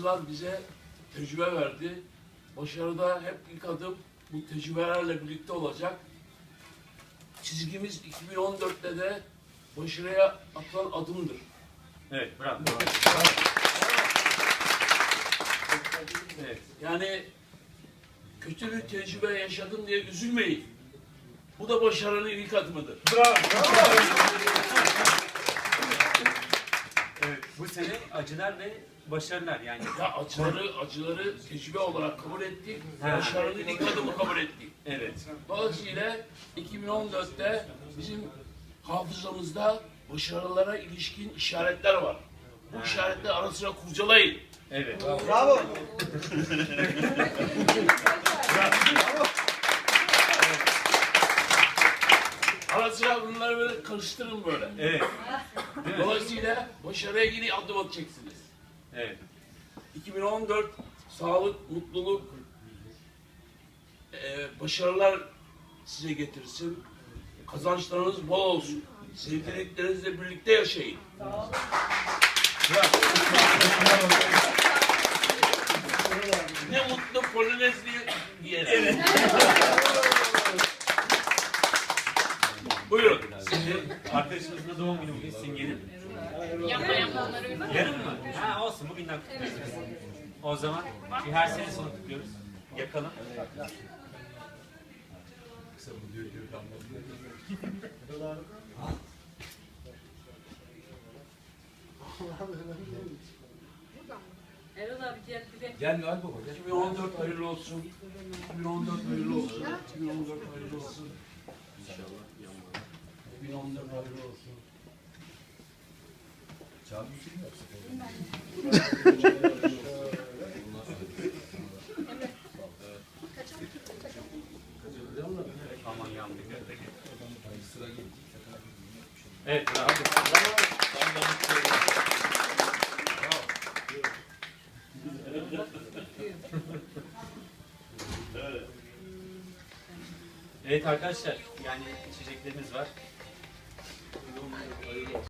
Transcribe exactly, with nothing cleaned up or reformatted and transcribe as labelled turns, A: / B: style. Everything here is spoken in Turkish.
A: yıllar bize tecrübe verdi. Başarıda hep ilk adım bu tecrübelerle birlikte olacak. Çizgimiz iki bin on dörtte de başarıya atılan adımdır.
B: Evet, bravo. Evet.
A: Yani kötü bir tecrübe yaşadım diye üzülmeyin. Bu da başarının ilk adımıdır.
B: Bravo. Evet, bu sene acılar ve başarılar yani.
A: Ya acıları, acıları tecrübe olarak kabul ettik.
B: Ha.
A: Başarının ilk adımı kabul ettik.
B: Evet.
A: Dolayısıyla iki bin on dörtte bizim hafızamızda başarılara ilişkin işaretler var. Bu işaretleri ara sıra kurcalayın.
B: Evet.
C: Bravo.
A: Ara sıra bunları böyle karıştırın böyle.
B: Evet.
A: Dolayısıyla başarıya yeni adım atacaksınız.
B: Evet.
A: iki bin on dört sağlık, mutluluk, e, başarılar size getirsin. Kazançlarınız bol olsun. Sevdiklerinizle birlikte yaşayın. Ne mutlu Polinezli diyelim. Evet. Buyurun.
B: Şimdi arkadaşımızın da doğum günü bugün Simge'nin.
D: Yapma yapma onları uygun.
B: Yarın mı? Ha olsun, bugünden kutluyoruz. O zaman bir her sene sonu kutluyoruz. Yakalım.
D: Erol abi gel bir de.
C: Gel Noel Baba gel.
A: iki bin on dört hayırlı olsun. iki bin on dört hayırlı olsun. iki bin on dört hayırlı olsun. İnşallah yanmaz. iki bin on dört hayırlı olsun.
C: Çağrı bir film yapsak.
B: Aman yandık.
C: Sıra geldi.
B: Evet, bravo. Evet arkadaşlar, yani içeceklerimiz var.